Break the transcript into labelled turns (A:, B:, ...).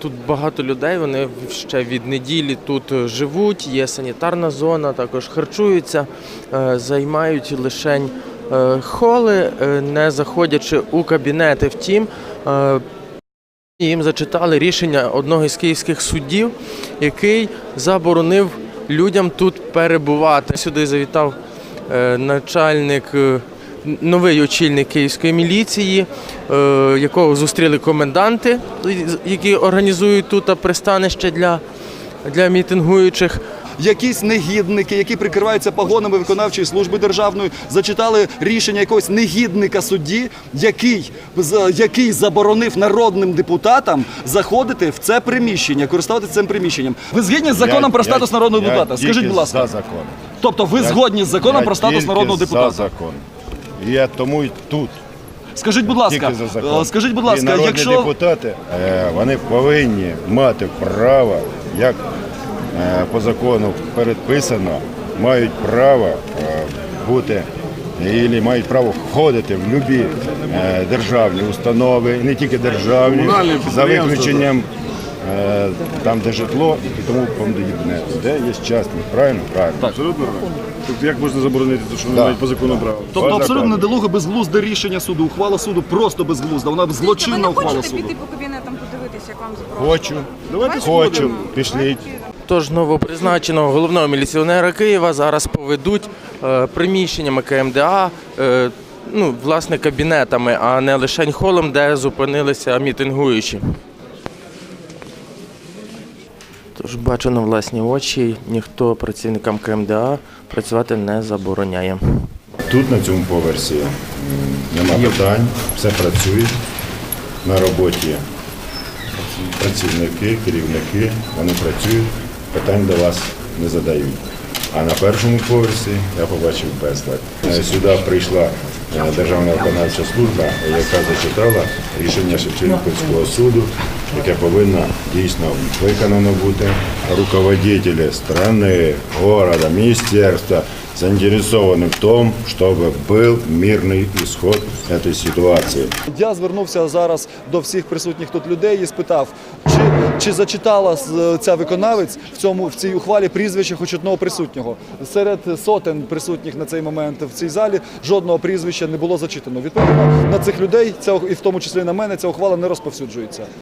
A: тут багато людей, вони ще від неділі тут живуть, є санітарна зона, також харчуються, займають лишень холи, не заходячи у кабінети. Втім, їм зачитали рішення одного із київських суддів, який заборонив людям тут перебувати. Сюди завітав новий очільник київської міліції, якого зустріли коменданти, які організують тут пристанище для мітингуючих.
B: Якісь негідники, які прикриваються погонами виконавчої служби державної, зачитали рішення якогось негідника судді, який заборонив народним депутатам заходити в це приміщення, користуватися цим приміщенням. Ви згідні з законом про статус народного депутата? Скажіть, будь ласка.
C: За закон.
B: Тобто ви згодні з законом про статус народного депутата?
C: За закон. І я тому й тут.
B: Скажіть, будь ласка,
C: І народні депутати, вони повинні мати право, як по закону передписано, мають право бути і мають право входити в будь-які державні установи, і не тільки державні, за виключенням там, де житло і тому подібне, де є частні. Правильно? Правильно.
B: Так.
D: Абсолютно правильно. Тобто як можна заборонити те, що вони мають по закону право?
B: Тобто абсолютно недолуге, безглузде рішення суду, ухвала суду просто безглузда, вона злочинна ухвала
E: Ви не
B: суду.
E: хочете піти по кабінетам подивитися, як вам заборонено?
C: Хочу, пішліть.
A: Тож новопризначеного головного міліціонера Києва зараз поведуть приміщеннями КМДА, власне, кабінетами, а не лише холом, де зупинилися мітингуючі. Тож бачу на власні очі, ніхто працівникам КМДА працювати не забороняє.
C: Тут, на цьому поверсі, нема питань, все працює. На роботі працівники, керівники, вони працюють, питань до вас не задають. А на першому поверсі я побачив безлад. Сюди прийшла Державна виконавча служба, яка зачитала рішення Шевченківського суду, яке повинно дійсно виконано бути. Руководителі країни, міста, міністерства заінтересовані в тому, щоб був мирний ісход цієї ситуації.
B: Я звернувся зараз до всіх присутніх тут людей і спитав, чи зачитала ця виконавець в цій ухвалі прізвище хоч одного присутнього. Серед сотень присутніх на цей момент в цій залі жодного прізвища не було зачитано. Відповідно, на цих людей, і в тому числі на мене, ця ухвала не розповсюджується.